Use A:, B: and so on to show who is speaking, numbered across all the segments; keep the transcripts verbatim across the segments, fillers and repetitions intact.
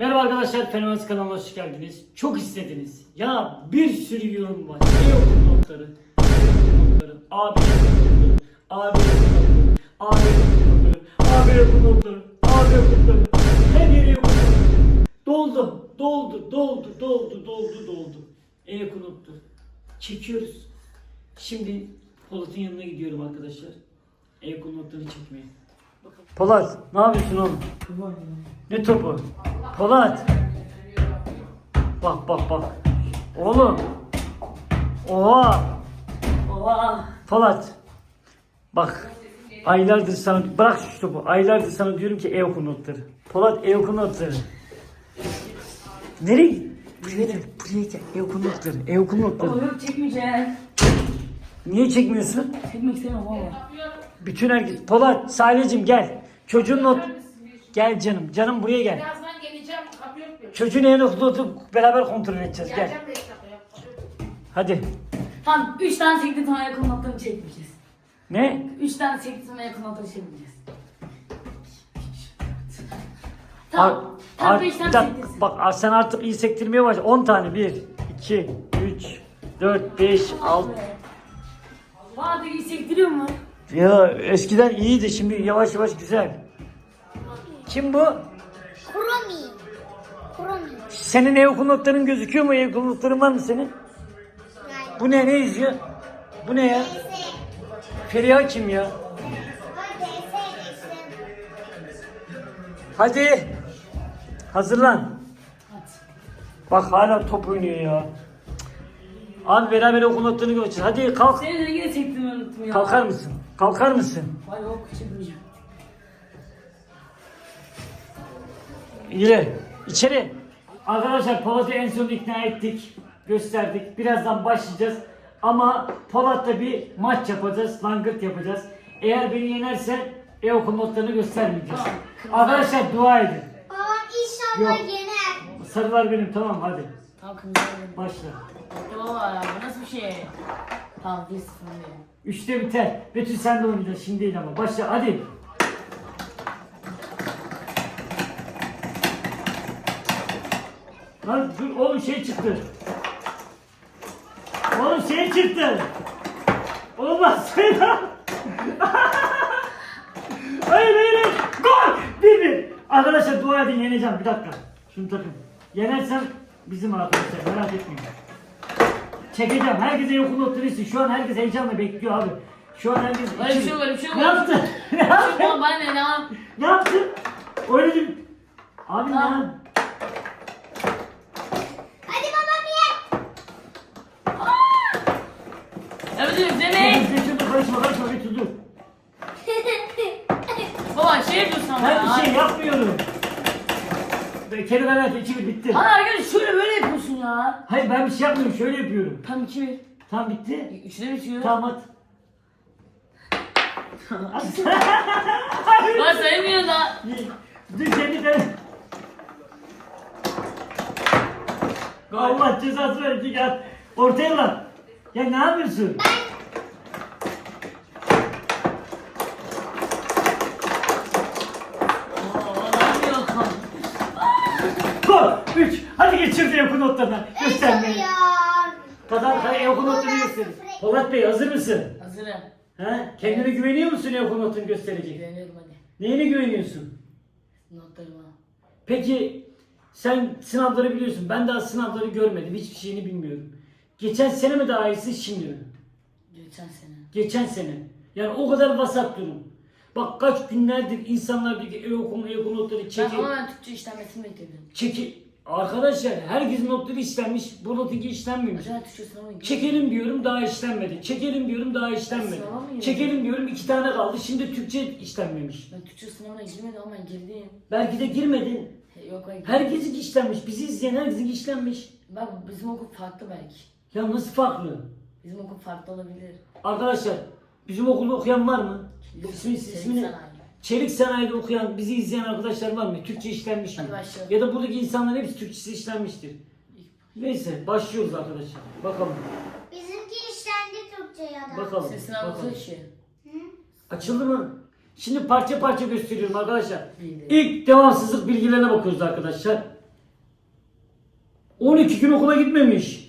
A: Merhaba arkadaşlar, Fenomen kanalına hoş geldiniz. Çok istediniz. Ya bir sürü yorum var. Ne okul notları? Notları. Abi okul notları. Abi okul notları. Abi okul notları. Abi okul notları. Abi okul notları. Her yere okul notları. Doldu. Doldu. Doldu. Doldu. Doldu. Doldu. E-okul notları. Çekiyoruz. Şimdi Polat'ın yanına gidiyorum arkadaşlar. E-okul notlarını çekmeye. Polat, ne yapıyorsun oğlum? Ne topu? Polat. Bak bak bak. Oğlum. Oha.
B: Oha.
A: Polat. Bak. Aylardır sana bırak şu topu. Aylardır sana diyorum ki e-okul notları. Polat e-okul notları. Nereye? Buraya gel. Buraya gel. E-okul notları. E-okul notları.
B: Ama yok çekmeyeceğim.
A: Niye çekmiyorsun?
B: Çekmek istemem ama.
A: Bütün herkes. Polat, Salecim gel. Çocuğun not. Gel canım. Canım buraya gel.
C: Birazdan geleceğim. Kapı yok benim.
A: Çocuğun en notu beraber kontrol edeceğiz. Gel.
C: Geleceğim beş dakikaya.
A: Hadi.
B: Tamam üç tane sekti tane yakın notları çekmeyeceğiz.
A: Ne?
B: üç tane sekti tane yakın notları çekmeyeceğiz.
A: Ar-
B: Tamam. Tamam
A: ar-
B: beş
A: bir
B: tane
A: dakika,
B: sektirsin.
A: bak ar- sen artık iyi sektirmeye başla. on tane. bir, iki, üç, dört, beş, altı.
B: Vardı iyi sektiriyor mu?
A: Ya eskiden iyiydi. Şimdi yavaş yavaş güzel. Kim bu?
D: Kuromi. Kuromi.
A: Senin e-okul notların gözüküyor mu? E-okul notların var mı senin?
D: Yani
A: Bu ne? Ne yazıyor? Bu ne ya?
D: D S.
A: Feriha kim ya?
D: Ay D S işte.
A: Hadi. Hazırlan.
B: Hadi.
A: Bak hala top oynuyor ya. Abi beraber okul notlarını göreceğiz. Hadi kalk.
B: Senin rengi de çektiğimi unuttum ya.
A: Kalkar mısın? Kalkar mısın?
B: Ay yok çekmeyeceğim.
A: İyi. İçeri. Arkadaşlar Polat'ı en son ikna ettik. Gösterdik. Birazdan başlayacağız. Ama Polat'la bir maç yapacağız. Langırt yapacağız. Eğer beni yenerse e-okul notlarını göstermeyeceğiz. Arkadaşlar dua edin.
D: Babam inşallah
A: Yok.
D: yener.
A: Sarılar benim, tamam hadi.
B: Tamam kırmızı benim.
A: Başla.
B: Baba ya bu nasıl bir şey? Tamam bir sıfır benim.
A: Üçte biter. Betül sen de oynayacaksın şimdi değil ama. Başla hadi. Lan dur oğlum şey çıktı. Oğlum şey çıktı. Olmaz. Hayır hayır hayır. Gol. Bir bir. Arkadaşlar dua edin, yeneceğim. Bir dakika. Şunu takın. Yenersem bizim arkadaşlar, merak etmeyin. Çekeceğim. Herkese yok notları istiyor. Şu an herkes heyecanla bekliyor abi. Şu an herkes...
B: Öyle bir şey yok, öyle bir şey yok.
A: Ne yaptın? Ne yaptın?
B: Tamam ben ne lan?
A: Ne yaptın? Oynadım. Abi ne?
B: Tamam.
A: yaptın?
D: Hadi babam ye.
B: Evet izlemeyin.
A: Betül dur, karışma karışma Betül dur.
B: Baba şey yapıyorsun ama
A: Ben
B: ya.
A: bir şey yapmıyorum. Kelimeler iki bir bitti.
B: Hani arkadaş şöyle böyle yapıyorsun ya.
A: Hayır ben bir şey yapmıyorum, şöyle yapıyorum.
B: Tam iki bir.
A: Tamam bitti.
B: Üçte bitiyor.
A: Tamam at.
B: Ben sayamıyor da.
A: Dur kendi de. Allah cezası verecek ya. Ortaya bak. Ya ne yapıyorsun? Gol. Üç. Hadi geçir diye okul notlarına. Göstermeyin.
D: Ya.
A: Kazan, hadi okul notlarını gösterin. Polat Bey hazır mısın?
B: Hazırım.
A: Ha? Kendine güveniyor musun okul notunu gösterecek?
B: Güveniyorum hadi.
A: Neyine güveniyorsun?
B: Notlarıma.
A: Peki sen sınavları biliyorsun. Ben daha sınavları görmedim. Hiçbir şeyini bilmiyorum. Geçen sene mi daha iyisi şimdi mi?
B: Geçen sene.
A: Geçen sene. Yani o kadar vasat durum. Bak kaç günlerdir insanlar diyor ki ev okuma, ev okuma notları
B: Ben
A: çeki.
B: ama ben Türkçe işlenmesini bekledim.
A: Çeki. Arkadaşlar herkesin notları işlenmiş. Bu notunki işlenmemiş.
B: Acaba Türkçe sınavı mı?
A: Çekelim diyorum daha işlenmedi. Çekelim diyorum daha işlenmedi.
B: Sınava mı girdin?
A: Çekelim diyorum iki tane kaldı. Şimdi Türkçe işlenmemiş.
B: Ben Türkçe sınavına girmedim ama ben girdim.
A: Belki de girmedin.
B: He, Yok ben girdim.
A: Herkesin işlenmiş. Bizi izleyen herkesin işlenmiş.
B: Bak bizim okul farklı belki.
A: Ya nasıl farklı?
B: Bizim okul farklı olabilir.
A: Arkadaşlar bizim okulda okuyan var mı? İsmi,
B: Çelik
A: ismini,
B: sanayi.
A: Çelik Sanayi'de okuyan, bizi izleyen arkadaşlar var mı? Türkçe işlenmiş mi?
B: Hadi başlayalım.
A: Ya da buradaki insanların hepsi Türkçesi işlenmiştir. Neyse başlıyoruz arkadaşlar. Bakalım.
D: Bizimki işlendi Türkçe ya da.
A: Bakalım.
B: Ses sınavı
A: bakalım.
B: taşı.
A: Açıldı mı? Şimdi parça parça gösteriyorum arkadaşlar.
B: İyi.
A: İlk devamsızlık bilgilerine bakıyoruz arkadaşlar. on iki gün okula gitmemiş.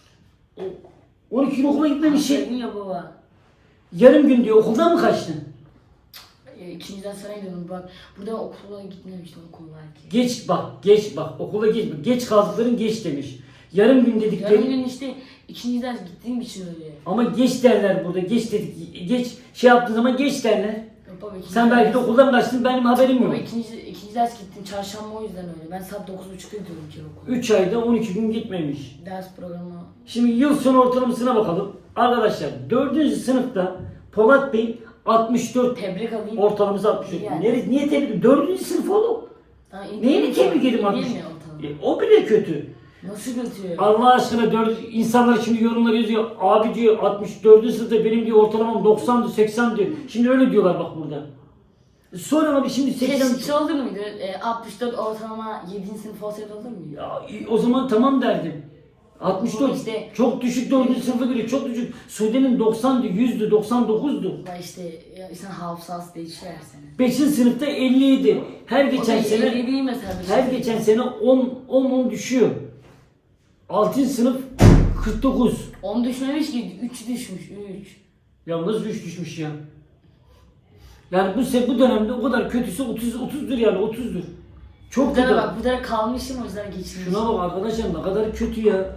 A: on iki gün okula gitmemiş.
B: Dedim ya baba.
A: Yarım gün diyor. Okuldan mı kaçtın?
B: E, İkinci ders sana gidiyorum bak. Burada okula gitmemiştim okul belki.
A: Geç bak, geç bak. Okula geç. Geç kaldıkların geç demiş. Yarım gün dedikleri.
B: Yarın gün işte ikinci ders gittiğim için öyle.
A: Ama geç derler burada. Geç dedik. Geç şey yaptığı zaman geç derler.
B: Yok baba, ikinci
A: Sen belki de
B: ders-
A: okuldan kaçtın, benim haberim yok.
B: Baba ikinci, ikinci ders gittim çarşamba o yüzden öyle. Ben saat dokuz buçukta gidiyorum ki okula.
A: üç ayda on iki gün gitmemiş.
B: Ders programı.
A: Şimdi yıl sonu ortalamasına bakalım. Arkadaşlar dördüncü sınıfta Polat Bey altmış dört,
B: Tebrik alayım.
A: ortalaması altmış dört.
B: Yani.
A: Neresi, niye tebrik? dördüncü sınıf oğlum.
B: Ha, iyi
A: Neyini
B: değil
A: tebrik
B: mi?
A: edeyim
B: İyi
A: altmış?
B: değil mi ortalama?
A: E, o bile kötü.
B: Nasıl götürüyor?
A: Allah aşkına dört, insanlar şimdi yorumlar yazıyor. Abi diyor altmış dördüncü sınıfta benim diyor ortalamam doksandı seksen diyor. Şimdi öyle diyorlar bak burada. E, Sonra abi şimdi seksen...
B: Keşke olur muydu? E, altmış dört ortalama yedinci sınıf olsaydı olur muydu?
A: Ya, e, o zaman tamam derdim. altmış dört
B: İşte-
A: çok düşük, dördüncü sınıfa göre çok düşük. Sude'nin doksandı, yüzdü, doksan dokuzdu.
B: Ama işte ya, insan hafızası değişiyor her sene.
A: beşinci sınıfta elli yedi. Her geçen
B: O da
A: sene
B: elli değil mesela. bir
A: her
B: şey.
A: geçen sene on on on düşüyor. altıncı sınıf kırk dokuz.
B: on düşmemiş ki üç düşmüş üç.
A: Ya nasıl üç düşmüş ya? Yani bu se- bu dönemde o kadar kötüsü otuz otuzdur yani otuzdur. Çok
B: Bu
A: kötü.
B: tarafa bak bu tarafa kalmışım o yüzden geçmiş.
A: Şuna bak arkadaşlar ne kadar kötü ya.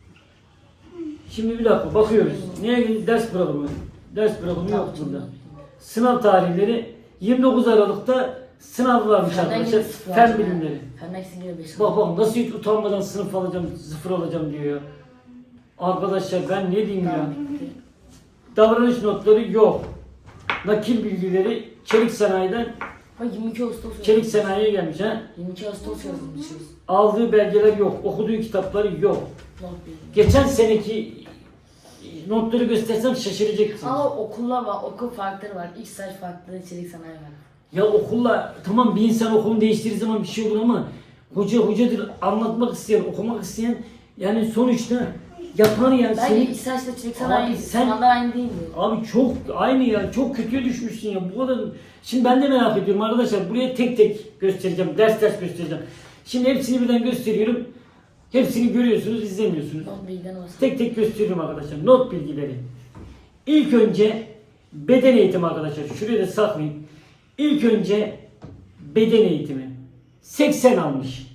A: Şimdi bir dakika bakıyoruz. Neye gidiyor? Ders programı. Ders programı yok burada. Sınav tarihleri yirmi dokuz Aralık'ta sınav varmış
B: Fenden
A: arkadaşlar.
B: yine sıfır
A: Fen
B: alacağım
A: bilimleri.
B: ya. Fenden ikisini yine beş
A: Bak
B: alacağım.
A: bak nasıl hiç utanmadan sınıf alacağım, sıfır alacağım diyor ya. Arkadaşlar ben ne diyeyim ya.
B: Tamam, bitti.
A: Davranış notları yok. Nakil bilgileri çelik sanayiden
B: Bak yirmi iki Ağustos yazmış.
A: çelik sanayiye gelmiş ha.
B: yirmi iki Ağustos yazmışız.
A: Aldığı belgeler yok, okuduğu kitapları yok.
B: Not bilgi.
A: Geçen seneki notları göstersem şaşıracaksın.
B: Ama okullar var, okul farkları var. İlk staj farklı, çelik sanayi var.
A: Ya okulla tamam bir insan okulunu değiştirdiği zaman bir şey olur ama hoca hocadır anlatmak isteyen, okumak isteyen yani sonuçta yapar yani
B: Bence
A: seni.
B: ilk stajda çelik sanayi
A: Abi sen-
B: sınavlar aynı değildi.
A: Abi çok aynı ya çok kötüye düşmüşsün ya bu kadar. Şimdi ben de merak ediyorum arkadaşlar buraya tek tek göstereceğim ders ders göstereceğim. Şimdi hepsini birden gösteriyorum. Hepsini görüyorsunuz izlemiyorsunuz.
B: Not bilgiden olsun.
A: Tek tek gösteriyorum arkadaşlar not bilgileri. İlk önce beden eğitimi arkadaşlar şuraya da saklayayım. İlk önce beden eğitimi. seksen almış.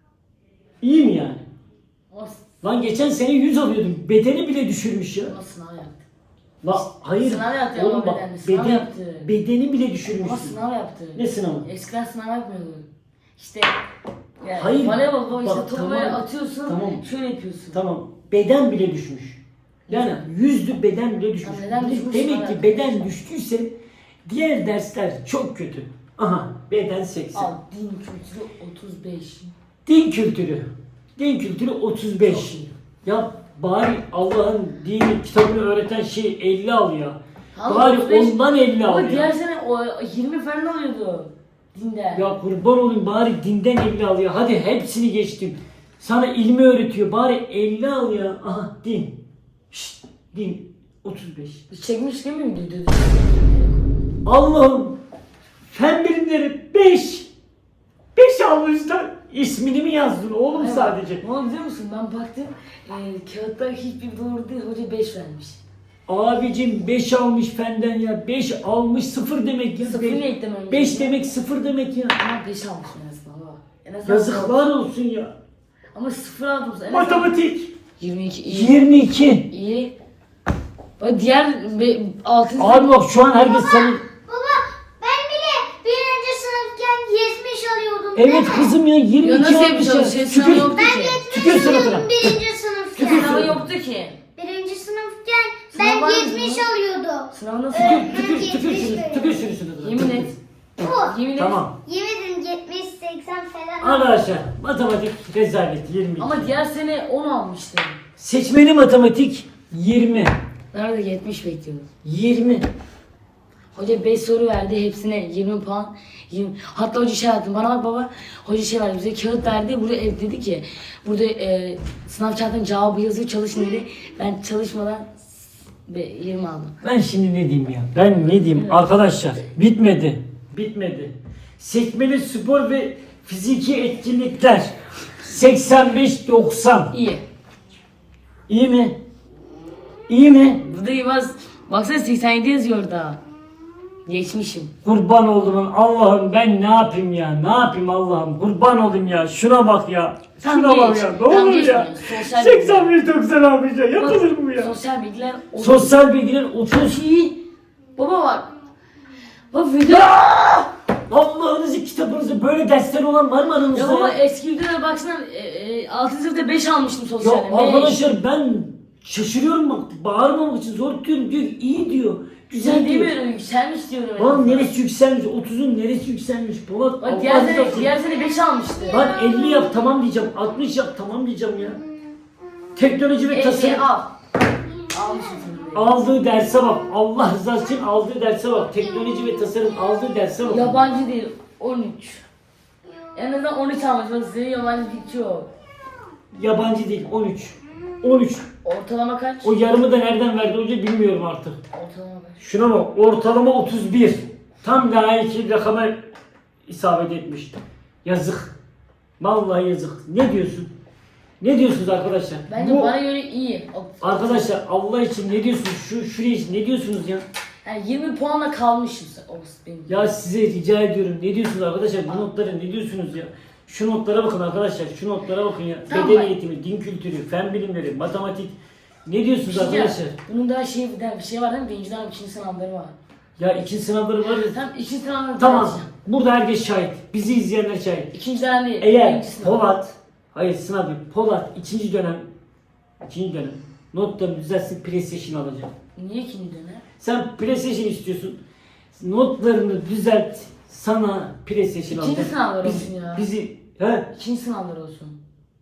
A: İyi mi yani?
B: O,
A: Lan geçen sene yüz alıyordum. Bedeni bile düşürmüş ya.
B: o sınav yaptı.
A: La hayır.
B: Sınav yaptı
A: Oğlum
B: ama
A: bak
B: bedenli, sınav
A: beden,
B: yaptı.
A: bedeni bile düşürmüş.
B: Ama sınav yaptı.
A: Ne sınavı?
B: Eskiden sınav yapmıyordu. İşte yani
A: Hayır.
B: voleybol baba işte
A: Bak,
B: topu
A: tamam.
B: böyle atıyorsun,
A: Tamam.
B: şöyle yapıyorsun.
A: Tamam. Beden bile düşmüş. Yani yüzdü beden bile düşmüş.
B: Ya neden düşmüş?
A: Demek
B: Sınav
A: ki
B: yaptı.
A: beden düştüyse diğer dersler çok kötü. Aha beden seksen.
B: Al din kültürü otuz beş.
A: Din kültürü. Din kültürü otuz beş.
B: Çok iyi.
A: Ya bari Allah'ın dini kitabını öğreten şey elli al ya.
B: Ama
A: Bari
B: otuz beş
A: ondan elli al
B: Ama
A: ya.
B: diğer sene o yirmi falan alıyordu dinden.
A: Ya kurban olayım bari dinden elli al ya. Hadi hepsini geçtim. Sana ilmi öğretiyor. Bari elli al ya. Aha din. Şşt, din. otuz beş.
B: Biz çekmiş değil mi videoyu?
A: Allah'ım. Fen bilimleri beş. beş almışlar. İsmini mi yazdın oğlum
B: Hayır,
A: sadece?
B: Ne oldu biliyor musun? Ben baktım e, kağıtta hiçbir doğru değil. Hoca beş vermiş.
A: Abicim beş almış fenden ya. beş almış sıfır demek ya.
B: Sıfır
A: Beş-
B: ne eklemem
A: beş
B: gerekiyor?
A: demek sıfır demek ya.
B: Ama beş almış en azından baba. En azından
A: Yazıklar olsun ya.
B: Ama sıfır aldım. En azından
A: Matematik.
B: yirmi iki iyi.
A: yirmi iki.
B: İyi. Bak diğer be, altıncı
A: Abi bak şu an herkes senin...
D: Baba ben bile birinci sınıfken yetmiş alıyordum.
A: Evet kızım ya yirmi
B: Ya
A: iki
B: nasıl
A: almış ya.
B: yapacağız? Şey sınavı
A: Tükür.
B: yoktu
D: Ben
B: ki.
A: Tükür
D: yetmiş
A: suratına.
D: alıyordum birinci sınıfken.
B: Sınavı yoktu ki.
D: Birinci sınıfken
B: Sınav var
D: ben
B: mıydı
D: yetmiş
B: bunun?
D: alıyordum.
B: Sınavı nasıl?
D: Evet.
A: Tükür tükür şunu. Tükür şunu suratına.
B: Yemin et.
D: Bu.
B: Yemin et.
A: Tamam.
D: Yemin yetmiş seksen falan.
A: Arkadaşlar matematik rezalet yirmi iki.
B: Ama diğer sene on almıştım.
A: Seçmeli matematik yirmi.
B: Nerede yetmiş bekliyordum.
A: yirmi.
B: Hoca beş soru verdi hepsine yirmi puan. yirmi. Hatta hoca şey yaptı. Bana bak baba. Hoca şey verdi bize kağıt verdi. Burada ev dedi ki burada e, sınav kağıtının cevabı yazıyor çalışın dedi. Ben çalışmadan be, yirmi aldım.
A: Ben şimdi ne diyeyim ya? Ben ne diyeyim arkadaşlar? Bitmedi. Bitmedi. Seçmeli spor ve fiziki etkinlikler. seksen beş doksan.
B: İyi.
A: İyi mi? İyi mi?
B: Burada Yılmaz baksana seksen yedi yazıyor orada. Geçmişim.
A: Kurban oldum Allah'ım, ben ne yapayım ya? Ne yapayım Allah'ım? Kurban olayım ya. Şuna bak ya.
B: Tam
A: Şuna bak
B: geç.
A: ya. Ne
B: Tam
A: olur
B: geç
A: ya.
B: bunu. Sosyal
A: seksen beş doksan abi ya. Yapılır mı bu ya?
B: Sosyal bilgiler. o-
A: Sosyal bilgiler otuz iyi.
B: Baba bak. Baba video.
A: Allah'ınızı kitabınızı böyle dersler olan var mı aranızda
B: Ya baba
A: ya?
B: eski videolara baksana. E, e, altıncı sınıfta beş almıştım
A: Ya
B: sosyalde. beş.
A: arkadaşlar ben şaşırıyorum bak. Bağırmamak için zor tutuyorum diyor. İyi diyor. Güzel
B: Güzel
A: diyor.
B: demiyorum yükselmiş diyorum.
A: Lan neresi yükselmiş? otuzun neresi yükselmiş? Polat
B: Bak
A: Allah
B: diğer sene,
A: rızası için.
B: diğer sene beş almıştı.
A: Lan elli yap tamam diyeceğim. altmış yap tamam diyeceğim ya. Teknoloji ve
B: elli
A: tasarım.
B: al. Almışım seni.
A: Aldığı derse bak. Allah rızası için aldığı derse bak. Teknoloji ve tasarım aldığı derse bak.
B: Yabancı değil on üç. En azından on üç almış. Bak size yabancı hiç yok.
A: Yabancı değil on üç. on üç.
B: Ortalama kaç?
A: O yarımı da nereden verdi hoca bilmiyorum artık.
B: Ortalama kaç?
A: Şuna bak ortalama otuz bir. Tam layık rakama isabet etmiş. Yazık. Vallahi yazık. Ne diyorsun? Ne diyorsunuz arkadaşlar?
B: Bence
A: Bu-
B: bana göre iyi.
A: Arkadaşlar Allah için ne diyorsunuz? Şu şuraya için ne diyorsunuz ya?
B: Yani yirmi puanla kalmışım sen. O benim.
A: Ya size rica ediyorum. Ne diyorsunuz arkadaşlar? Bu notlara ne diyorsunuz ya? Şu notlara bakın arkadaşlar. Şu notlara bakın ya.
B: Tamam
A: Beden
B: bak.
A: eğitimi, din kültürü, fen bilimleri, matematik. Ne diyorsunuz
B: Bir şey
A: arkadaşlar?
B: ya, bunun daha şey, bir şey var değil mi? Birinci dönem ikinci sınavları var.
A: Ya ikinci sınavları var ya.
B: Tam ikinci sınavları
A: Tamam.
B: tartışacağım.
A: Burada herkes şahit. Bizi izleyenler şahit.
B: İkinci dönem değil.
A: Eğer
B: birinci sınav.
A: Polat, hayır sınav değil. Polat ikinci dönem, ikinci dönem notlarını düzeltsin PlayStation alacak.
B: Niye ikinci dönem?
A: Sen PlayStation istiyorsun. Notlarını düzelt. Sana PlayStation
B: İkinci
A: alacak.
B: sınavlar
A: Biz-
B: olsun ya.
A: Bizi, he?
B: İkinci sınavlar olsun.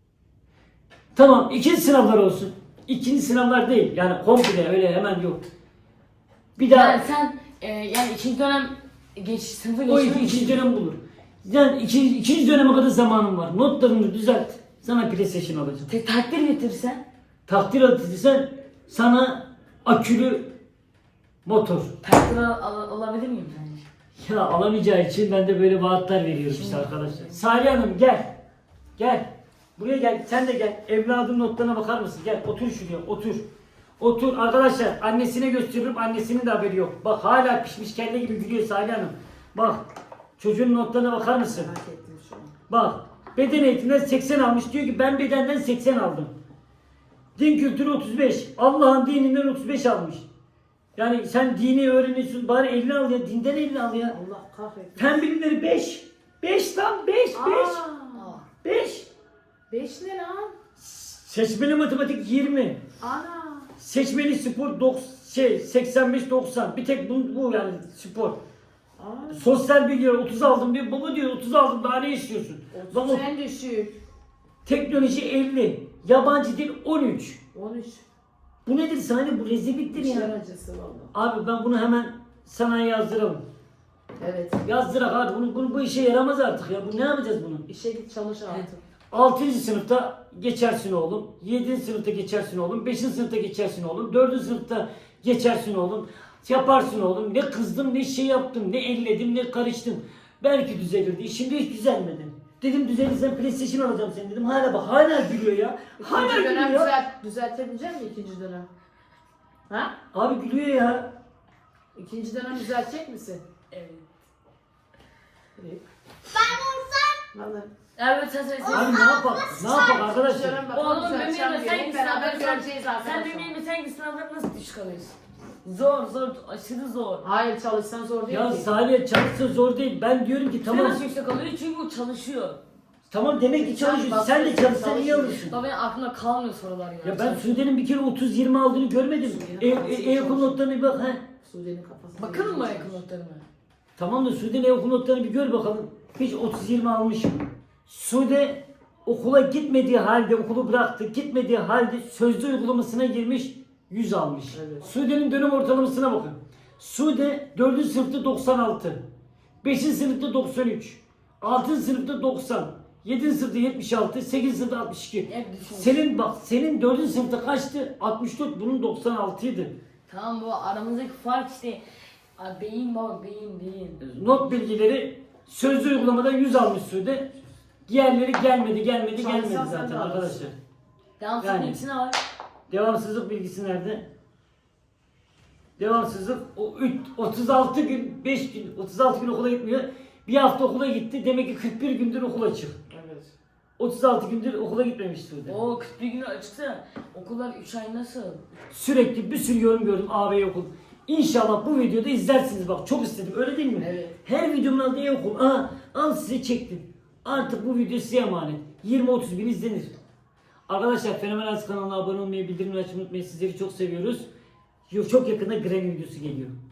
A: Tamam ikinci sınavlar olsun. İkinci sınavlar değil. Yani komple öyle hemen yok. Bir daha
B: Yani sen e, yani ikinci dönem geç sınıfa
A: o
B: geçmek
A: iki, ikinci
B: için
A: dönem bulur. Yani iki, ikinci döneme kadar zamanın var. Notlarını düzelt. Sana PlayStation alacağım.
B: te- takdir getirsen
A: Takdir atılırsan sana akülü motor.
B: takdir al, al- alabilir miyim sence?
A: Ya alamayacağı için ben de böyle vaatler veriyorum işte arkadaşlar. Salih Hanım gel. Gel. Buraya gel. Sen de gel. Evladın notlarına bakar mısın? Gel otur şuraya otur. Otur arkadaşlar. Annesine gösteriyorum. Annesinin de haberi yok. Bak hala pişmiş kelle gibi gülüyor Salih Hanım. Bak. Çocuğun notlarına bakar mısın? Bak. Beden eğitiminden seksen almış. Diyor ki ben bedenden seksen aldım. Din kültürü otuz beş. Allah'ın dininden otuz beş almış. Yani sen dini öğreniyorsun bari elini al ya. Dinden elini al ya.
C: Allah kahretsin.
A: Fen bilimleri beş. beş lan beş beş.
C: Aa,
A: beş.
C: beş ne lan?
A: Seçmeli matematik yirmi.
C: Ana.
A: Seçmeli spor doksan, şey seksen beş doksan. Bir tek bu, bu yani spor.
C: Aa.
A: Sosyal bilgiler otuz aldım diyor. Baba diyor otuz aldım daha ne istiyorsun? Baba
C: otuz en düşük.
A: teknoloji elli. Yabancı dil on üç.
C: on üç.
A: Bu nedir sahne? Bu rezilliktir
C: İşler
A: ya.
C: acısı valla.
A: Abi ben bunu hemen sana yazdıralım.
C: Evet.
A: Yazdırak abi bunu, bunu bu işe yaramaz artık ya. Bu ne yapacağız bunu?
C: İşe git çalış artık.
A: altıncı sınıfta geçersin oğlum. yedinci sınıfta geçersin oğlum. beşinci sınıfta geçersin oğlum. dördüncü sınıfta geçersin oğlum. Yaparsın oğlum. Ne kızdım ne şey yaptım ne elledim ne karıştım. Belki düzelirdi. Şimdi hiç düzelmedi. Dedim düzelirsen PlayStation alacağım seni dedim. Hala bak hala gülüyor ya. Hala
C: İkinci
A: gülüyor
C: dönem
A: ya.
C: düzelt, düzeltebilecek misin ikinci dönem? Ha?
A: Abi gülüyor ya.
C: İkinci dönem düzeltecek misin?
B: Evet.
C: Evet.
D: Ben olsam
C: Vallahi.
B: Evet sen söylesene.
A: Abi ne yapak? Ne yapak arkadaşlar?
C: Dönem bakalım
B: Oğlum benim
C: düzelteceğim
B: yerime
C: diye.
B: sen
C: Hep
B: git
C: beraber
B: sınavları
C: göreceğiz
B: Sen
C: arkadaşlar.
B: benim yerime sen git sınavları nasıl düşük alıyorsun? Zor zor aşırı zor.
C: Hayır çalışsan zor değil
A: Ya
C: ki.
A: Salih çalışsa zor değil. Ben diyorum ki
B: Tamam.
A: tamam.
B: Nasıl yüksek alıyor? Çünkü o çalışıyor.
A: Tamam demek ki çalışıyorsun. Sen de çalışsan iyi alırsın.
B: Baba benim aklımda kalmıyor sorular ya.
A: Ya ben Sude'nin bir kere otuz yirmi aldığını görmedim. E, e, e-okul notlarına bir bak he.
C: Sude'nin kafası.
B: Bakalım mı yakın notlarıma?
A: Tamam da Sude'nin e-okul notlarını bir gör bakalım. Hiç otuz yirmi almış mı? Sude okula gitmediği halde, okulu bıraktı, gitmediği halde sözlü uygulamasına girmiş, yüz almış.
C: Evet.
A: Sude'nin dönem ortalamasına bakın. Sude dördüncü sınıfta doksan altı, beşinci sınıfta doksan üç, altıncı sınıfta doksan, yedinci sınıfta yetmiş altı, sekizinci sınıfta altmış iki.
B: Hep düşün.
A: Senin bak, senin dördüncü sınıfta kaçtı? altmış dört, bunun doksan altı idi.
B: Tamam bu aramızdaki fark işte. Abi beyin baba beyin beyin.
A: Not bilgileri sözlü uygulamadan yüz almış Sude. Diğerleri gelmedi gelmedi
C: Çalışsan
A: gelmedi
C: sen
A: zaten
C: de alırsın.
A: arkadaşlar.
B: Devamsız
A: Yani.
B: bilgisi ne var?
A: Devamsızlık bilgisi nerede? Devamsızlık o üç- otuz altı gün, beş gün, otuz altı gün okula gitmiyor. Bir hafta okula gitti. Demek ki kırk bir gündür okul açık.
C: Evet.
A: otuz altı gündür okula gitmemiş Sude.
B: Oo kırk bir günü açıksa okullar üç ay nasıl?
A: Sürekli bir sürü yorum gördüm ağabey okul. İnşallah bu videoda izlersiniz bak çok istedim öyle değil mi?
B: Evet.
A: Her videomun aldığı e-okul. Aa, al size çektim. Artık bu video size emanet. yirmi otuz bin izlenir. Arkadaşlar Fenomen Aziz kanalına abone olmayı, bildirimleri açmayı unutmayın. Sizleri çok seviyoruz. Çok yakında Granny videosu geliyor.